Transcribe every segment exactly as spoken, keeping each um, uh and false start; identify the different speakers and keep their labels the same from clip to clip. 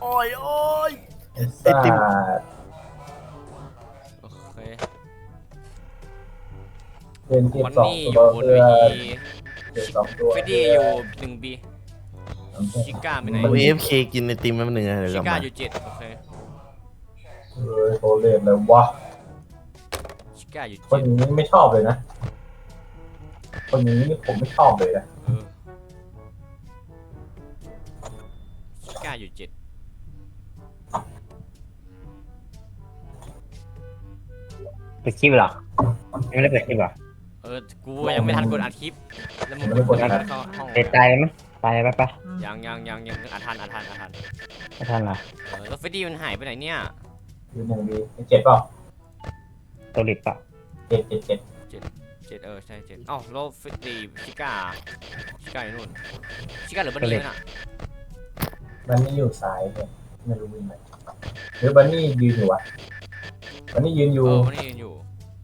Speaker 1: โอ้ยโอ้ย
Speaker 2: ไอ้
Speaker 1: ไอ
Speaker 2: สั
Speaker 1: ติม
Speaker 2: ตว์
Speaker 3: โอเค
Speaker 2: เป็นเก็บ
Speaker 3: วัน
Speaker 2: สองตัว
Speaker 3: นี้อยู่บน
Speaker 2: เพื่อ
Speaker 3: เวที
Speaker 2: เก็บสองตัว
Speaker 3: เฟด
Speaker 2: เพื่อ
Speaker 3: ดี้อยู่หนึ่งบีชิก้าไปไหน
Speaker 1: กูเอฟเคกินไอติมแป๊บนึงนะเดี๋ยวก
Speaker 3: ชิ
Speaker 1: ลับมา
Speaker 3: ก้าอยู่เจ็ดโอเค
Speaker 2: เฮ้ยโคเลตเลยวะ
Speaker 3: ชิก้าอยู่
Speaker 2: คน
Speaker 3: เจ็ด
Speaker 2: นี้ไม่ชอบเลยนะ คนนี้นี่ผมไม่ชอบเลยนะ
Speaker 3: เออชิก้าอยู่เจ็ด
Speaker 4: เปิดคลิปเหรอยังไม่ได้เปิดคลิปเหรอ
Speaker 3: เออกูยังไม่ทันกดอัดคลิปแล้วมึงกดอัดเข้าห้อง
Speaker 4: เปิดตายไหมตายไปปะ
Speaker 3: ยังยังยังยังอัดทันอัดทันอัดทัน
Speaker 4: ไม่ทันเหรอ
Speaker 3: เออแล้วเฟดดี้มันหายไปไหนเนี่ย
Speaker 2: อยู่หนึ่งดีเจ็ดเปล่า
Speaker 4: ตัวลิปปะ
Speaker 2: เจ็ดเจ็ดเจ็ด
Speaker 3: เจ็ดเออใช่เจ็ดอ้าวแล้วเฟดดี้ชิก้าชิก้าอยู่นู่นชิก้าหรือบันนี่น่ะ
Speaker 2: บันนี่อยู่ซ้ายเนี่ยไม่รู้วิ่งไหนหรือบันนี่ยืนอยู่วะบันนี่ยืนอยู่
Speaker 3: เออบันนี่ยืนอยู่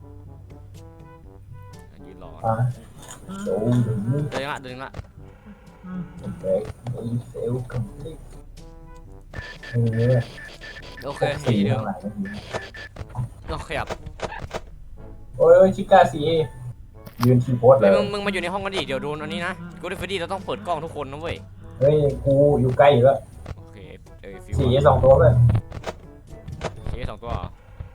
Speaker 3: ยืนรอ
Speaker 2: อ่ะโอ้ยถึงนี่
Speaker 3: เดินละเดินละ
Speaker 2: แบกไอ้เซลล์คอมพลีทเออ
Speaker 3: โอเค
Speaker 2: หกสี่
Speaker 3: สี่เดิม
Speaker 2: เท่าไหร่ไม่รู้
Speaker 3: โอเคครับ
Speaker 2: โอ้ยชิก้าซีเอยืนทีโพสเล
Speaker 3: เฮ้ย
Speaker 2: ย
Speaker 3: มึงมึงมาอยู่ในห้องกันดิเดี๋ยวโดนอันนี้นะกูได้เฟดดี้เราต้องเปิดกล้องทุกคนนะเว้ย
Speaker 2: เฮ้ยกูอยู่ใกล้อยู่แล้ว
Speaker 3: โอเคเออฟิว
Speaker 2: สี่สองตัวเลย
Speaker 3: เคสองตัวเหรอ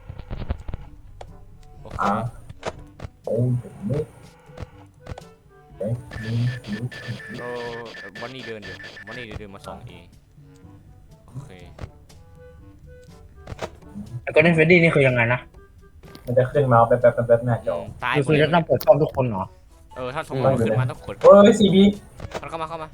Speaker 3: โอเค
Speaker 2: อ่าโอ้ยถึงนี่เอ๊ะนี่นี่
Speaker 3: เออวันนี้เดินอยู่วันนี้เดินมาสองเอโอเค
Speaker 4: แล้วก็เล่นเฟรดดี้นี่คือยังไงนะ
Speaker 2: มันจะขึ้นมาแป๊บแป๊บแป๊บแป๊บหน้าจอ
Speaker 3: ตาย
Speaker 4: คือ
Speaker 3: หม
Speaker 4: คื
Speaker 3: ด
Speaker 4: อ
Speaker 3: เล
Speaker 4: จะ
Speaker 3: ย
Speaker 4: ต้องเปิดกล้องทุกคนเหรอ
Speaker 3: เออถ้าสมมติขึ้นมาต้องกด
Speaker 2: เฮ้ยซีบี
Speaker 3: มันเข้ามาเข้ามา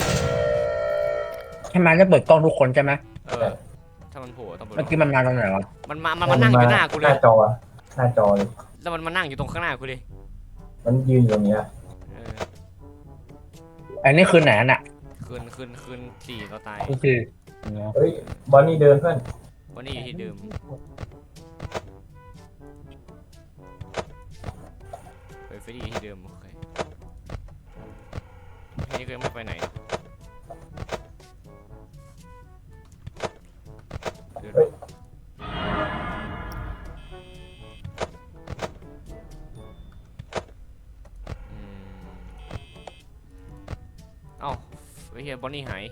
Speaker 4: ใช่ไหมจะเปิดกล้องทุกคนใช่ไหม
Speaker 3: เออถ้ามันโผล่ต้องเปิด
Speaker 4: เมื่อกี้มันมาตรงไหนวะ
Speaker 3: มันมามันมานั่งอยู่หน้ากู
Speaker 2: ห
Speaker 3: เล
Speaker 2: น้าย จออะหน้าจอเลย
Speaker 3: แล้วมันมานั่งอยู่ตรงข้างหน้ากูเลย
Speaker 2: มันยืนอยู่ตรงเนี้ย
Speaker 3: เออ
Speaker 4: อันนี้คือไหนน่ะ
Speaker 3: คืนคืนคืนสี่เราตาย
Speaker 4: ก็คือ
Speaker 2: เฮ้ยบอนนี่เดินเพื่อน
Speaker 3: วันนี้อยู่ที่เดิมเฮ้ยเฟรดดี้อยู่ที่เดิมโอเคอันนี้ก็ยังไม่ไปไหนเดินอืมเอ้าไอ้เหี้ยบอนนี่หาย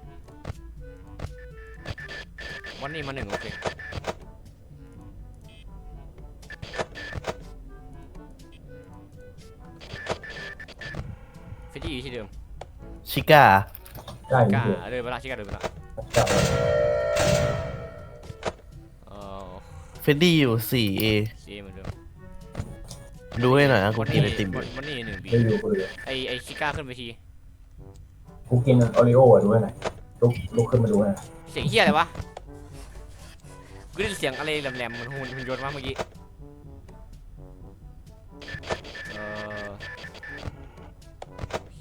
Speaker 3: บอนนี่มาหนึ่งโอเคเฟรดดี้อยู่ที่เดิม
Speaker 1: ชิก้า
Speaker 2: ใกล้อก
Speaker 3: ล้า
Speaker 2: ยู่
Speaker 3: เดินไปละชิก้าเดินไปละ
Speaker 2: ใกล้
Speaker 3: เออ
Speaker 1: เฟดดี้อยู่สี่เอ
Speaker 3: ซีเหมือนเดิม
Speaker 1: ดูให้หน่อยนะกู
Speaker 3: วัน
Speaker 1: กิ
Speaker 3: นี้
Speaker 1: นไอติมอยู่
Speaker 3: วันนี้หนึ่งบี
Speaker 2: ได้อยู่กูเลย
Speaker 3: ไอไอชิก้าขึ้นไปที
Speaker 2: กูกินโอริโอ้อะดูให้หน่อยลุกลุกขึ้นมาดูให้หน่อย
Speaker 3: เสียงเฮียอะไรวะกูได้ยินเสียงอะไรแหลมๆเหมือนหุ่นหุ่นยนต์มาเมื่อกี้เออโอเค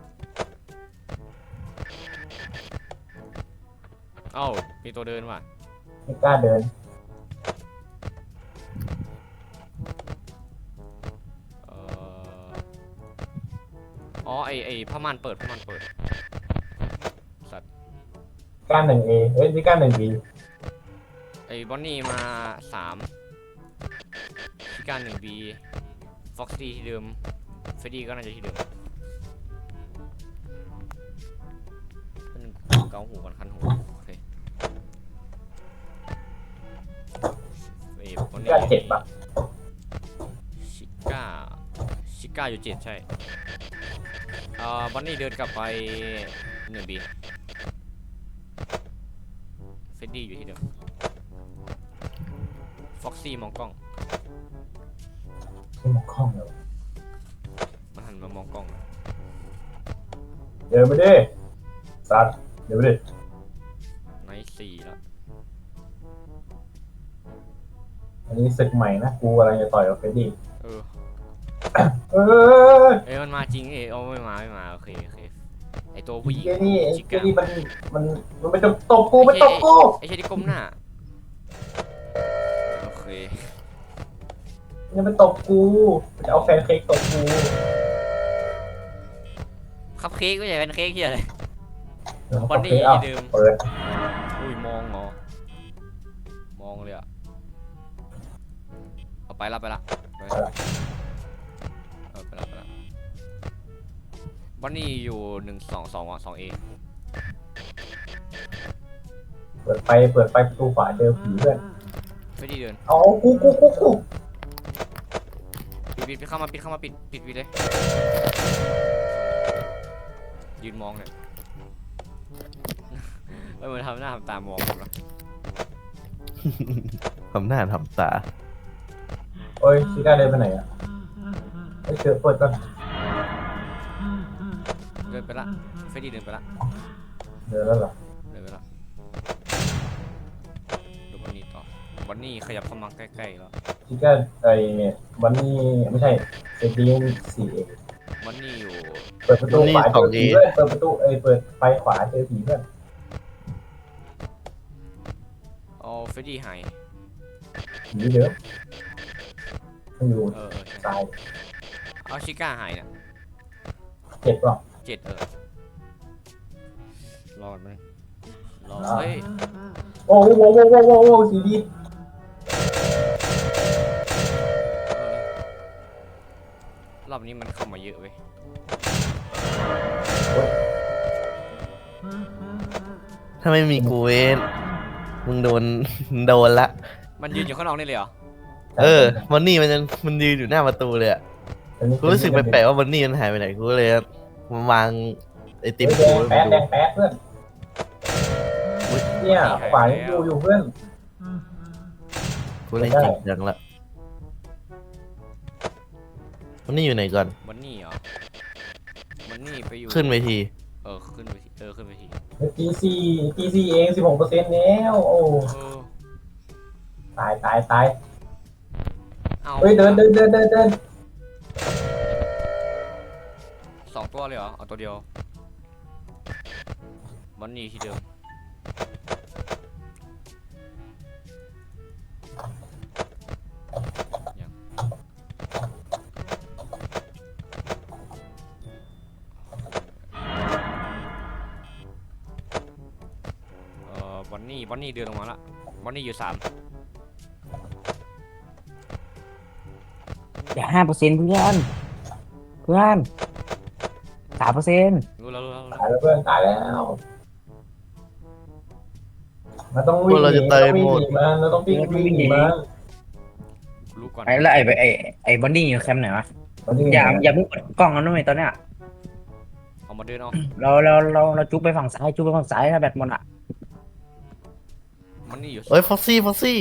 Speaker 3: เอ้ามีตัวเดินว่ะ
Speaker 2: ไม่กล้าเดิน
Speaker 3: เอออ๋อไอไอผ้าม่านเปิดผ้าม่านเปิดสัตว์
Speaker 2: กล้าหนึ่งเอเฮ้ยนี่กล้าหนึ่งบี
Speaker 3: ไอบอนนี่มาสามชิก้าหนึ่งบีฟ็อกซี่ที่เดิมเฟดดี้ก็น่าจะที่เดิมเป็นเกาหูกันคันหูโอเคเอ้ยบอน
Speaker 2: ก
Speaker 3: นี่
Speaker 2: ล้าเจ็ดปะ
Speaker 3: ชิก้าชิก้าอยู่เจ็ดใช่เอ่อบอนนี่เดินกลับไปหนึ่งบีเฟดดี้อยู่ที่เดิมฟ็อกซี่มองกล้อง
Speaker 2: ขึ้นมาคล่องเลย
Speaker 3: มันหันมามองกล้อง
Speaker 2: เดินไปดิสัตว์เดินไปดิ
Speaker 3: ไนท์สี่แล้ว
Speaker 2: อันนี้ศึกใหม่นะกูกำลังจะต่อยกับเฟรดดี้
Speaker 3: เออ
Speaker 2: เออ
Speaker 3: เอ้ยมันมาจริงเอ้ยเอาไม่มาไม่มาโอเคโอเคไอตัวผู้หญิง
Speaker 2: ไอ้นี่ไอ้
Speaker 3: ชิ
Speaker 2: เจ้า
Speaker 3: ก้า
Speaker 2: นี่มันมันมันไปตบตบกูไปตบกู
Speaker 3: ไอเชยที่ก้มหน้าโอเค
Speaker 2: มันไปตบกูมันจะเอาแฟนเค้กตบกู
Speaker 3: คัพเค้กไม่ใช่เป็นเค้กที่อะไร
Speaker 2: เดี๋ยวเขา
Speaker 3: วันนี้
Speaker 2: เค้กเอา
Speaker 3: เดิม
Speaker 2: เปิด
Speaker 3: อุ้ยมองเหรอมองเลยอะเอาไปละไปละไปละเออไปละไปละวันนี้อยู่หนึ่งสองสองอ่ะสองเอ
Speaker 2: เปิดไฟเปิดไฟประตูขวาเจอผีเพื่อน
Speaker 3: ไม่ดีเดิน
Speaker 2: เอากูกูกูกู
Speaker 3: ปิดปิดปิดเข้ามาปิดเข้ามาปิดปิดปิดเลยยืนมองเนี่ยเออมันทำหน้าทำตามองผมนะ
Speaker 1: ทำหน้าทำตา
Speaker 2: โอ้ยชิก้าเดินไปไหนอ่ะไอ้เจอเปิดก่อน
Speaker 3: เดินไปละเฟรดดี้เดินไปละ
Speaker 2: เดินแล้วเหรอ
Speaker 3: เดินไปละดูวันนี้ต่อวันนี้ขยับเข้ามาใกล้ๆแล้ว
Speaker 2: ชิก้าไอ้วันนี้ไม่ใช่เซตีนสี่เอ
Speaker 3: วันนี้อยู่
Speaker 2: เปิดประตูขวาเจอผีเพื่อนเปิดประตูเอ้ยเปิดไฟขวาเจอผีเพื่อน
Speaker 3: เอาเฟรดดี้หาย
Speaker 2: ผีเดิมมันอยู่
Speaker 3: เออเออใช่
Speaker 2: ซ้าย
Speaker 3: เอาชิก้าหายเนี่ย
Speaker 2: เจ็บป่ะ
Speaker 3: เจ็ดเออรอดไหมรอเฮ้ย
Speaker 2: โอ้โหโอ้โหโอ้โหโอ้โหสีดี
Speaker 3: เออรอบนี้มันเข้ามาเยอะเว้ย
Speaker 1: ถ้าไม่มีกูเวนมึงโดน โดนละ
Speaker 3: มันยืนอยู่ข้างนอกนี่เลยเหรอ
Speaker 1: เออวันนี้มันยังมันยืนอยู่หน้าประตูเลยอะกูรู้สึกแปลกๆว่าวันนี้มันหายไปไหนกูเลยมาวางไอติม
Speaker 2: แด
Speaker 1: กู
Speaker 2: ง
Speaker 1: ไว้
Speaker 2: แป๊ด
Speaker 1: ดู
Speaker 2: แดงแป๊ดเพื่อนเนี่ยขวายังอยู่อยู่เพื่อน
Speaker 1: กูเล่นจริงจังละวันนี้อยู่ไหนก่อน
Speaker 3: มันนี่เหรอมันนี่ไปอยู่
Speaker 1: ขึ้นเวที
Speaker 3: เออขึ้นไปทีเออขึ้นไปที
Speaker 2: จีซีจีซีเองสิบหกเปอร์เซ็นต์แล้วโอ้
Speaker 3: เออ
Speaker 2: ตายตายตาย
Speaker 3: เอา
Speaker 2: เฮ้ยเดินเดินเดินเดินเดิน
Speaker 3: สองตัวเลยเหรอเอาตัวเดียวมันนี่ที่เดิมยังเออวันนี้วันนี้เดินลงมาละวันนี้อยู่สาม
Speaker 4: อย่าห้าเปอร์เซ็นต์เพื่อนเพื่อนสามเปอร์เซ็นต์
Speaker 3: รู้แล้วรู้แล้วรู้
Speaker 2: ตาย
Speaker 3: แล้ว
Speaker 2: แล้วเพื่อนตายแล้วมันต้องวิ่งหนีมันต้องวิ่งหนีมันเราต้องวิ่งวิ่งหนีมัน
Speaker 3: รู้ก่อน
Speaker 4: ไอ้แล้วไอ้ไอ้ไอ้บอนดี้อยู่แคมป์ไหนวะ
Speaker 2: มันวิ่งหนี
Speaker 4: อย่าอย่าเพิ่งเปิดกล้องกันด้วยตอนเนี้ย
Speaker 3: เอามาเดินเอา
Speaker 4: เราเราเราเราจุ๊บไปฝั่งซ้ายจุ๊บไปฝั่งซ้ายถ้าแบตหมดอ่ะ
Speaker 3: มันนี่อยู่
Speaker 1: เอ้ยฟ็อกซี่ฟ็อกซี่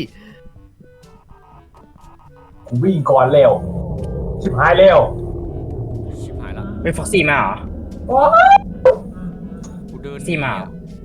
Speaker 2: กูวิ่งก่อนเร็วชิบหายเร็ว
Speaker 3: ชิบหายละ
Speaker 4: ไปฟ็อกซี่มาเหรอ
Speaker 2: โอ้ย
Speaker 3: กูเดิน
Speaker 4: สี่มา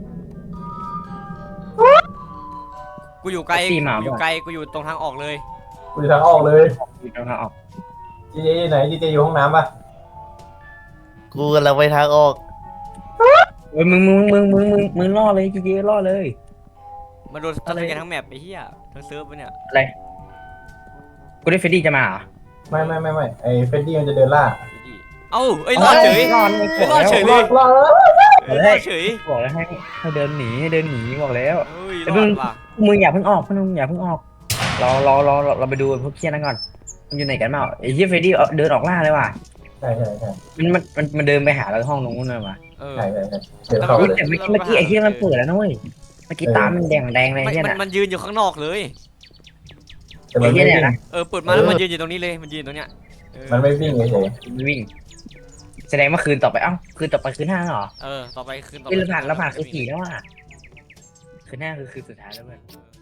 Speaker 3: กูอยู่ไกล
Speaker 4: สี่มา
Speaker 3: กูอยู่ไกลกูอยู่ตรงทางออกเลย
Speaker 2: กูจะทางออกเลย
Speaker 4: อยู่ตรงทางออก
Speaker 2: จีเจไหนจีเจอยู่ห้องน้ำป่ะ
Speaker 1: กูกำลังไปทางออก
Speaker 4: เฮ้ยมึงมึงมึงมึงมึงมึงล่อเลยจีเจล่อเลย
Speaker 3: มาโดนทะเลกันทั้งแมปไอ้เหี้ยทั้งเซิร์ฟไปเนี่ย
Speaker 4: อะไรกูได้เฟรดดี้จะมาเหรอ
Speaker 2: ไม่ไม่ไม่ไม่ไอ้เฟรดดี้มันจะเดินล่า
Speaker 3: ไอ้ที่เอ้าเอ้ยรอดเฉย
Speaker 4: รอดเลย
Speaker 3: รอดเฉย
Speaker 2: รอดรอด
Speaker 3: เอ้ยรอดเฉย
Speaker 4: บอกแล้วให้ให้เดินหนีให้เดินหนีบอกแล้ว
Speaker 3: เฮ้ย
Speaker 4: แต่
Speaker 3: ร
Speaker 4: มึ
Speaker 3: อง ดว่ะ
Speaker 4: มึงอย่าเพิ่งออกมึงอย่าเพิ่งออกรอรอรอเราไปดูพวกเคียนั่นก่อนมันอยู่ไหนกันเปล่าไอ้เหี้ยเฟรดดี้เดินออกล่าเลยว่ะ
Speaker 2: ใช่ใช่ใช่
Speaker 4: มันมันมันมันเดินไปหาเราห้องตรงนู้นเลยว่ะ
Speaker 3: เออ
Speaker 2: ใช่ใช่ใช่เดี๋ยวเข้า
Speaker 4: เฮ้ย
Speaker 2: เลย
Speaker 4: แต่เมื่อกี้เมื่อกี้ไอ้เหี้ยมันเปิดแล้วนะเว้ยเมื่อกี้ตามันแดงแดงเลย
Speaker 3: ไม่
Speaker 4: เหี้ย
Speaker 3: มัน
Speaker 4: น่ะ
Speaker 3: มันยืนอยู่ข้างนอกเลย
Speaker 2: แต่มันไม่
Speaker 4: ไอ้เหี้ยเนี่
Speaker 2: วิ่ง
Speaker 4: ยนะ
Speaker 3: เออเปิดมาแล้วมันยืนอยู่ตรงนี้เลยมันยืนตรงเนี้ยเออ
Speaker 2: มันไม่วิ่งเฉย
Speaker 4: มันวิ่ง แสดงว่าคืนต่อไปเอ้าคืนต่อไปคืนห้าเหรอ
Speaker 3: เออต่อไปขึ้นต่อไป
Speaker 4: เฮ้ยเราผ่านเราผ่านคืนสี่แล้วอ่ะคืนห้าคือคืนสุดท้ายแล้วเว้ย
Speaker 3: เออ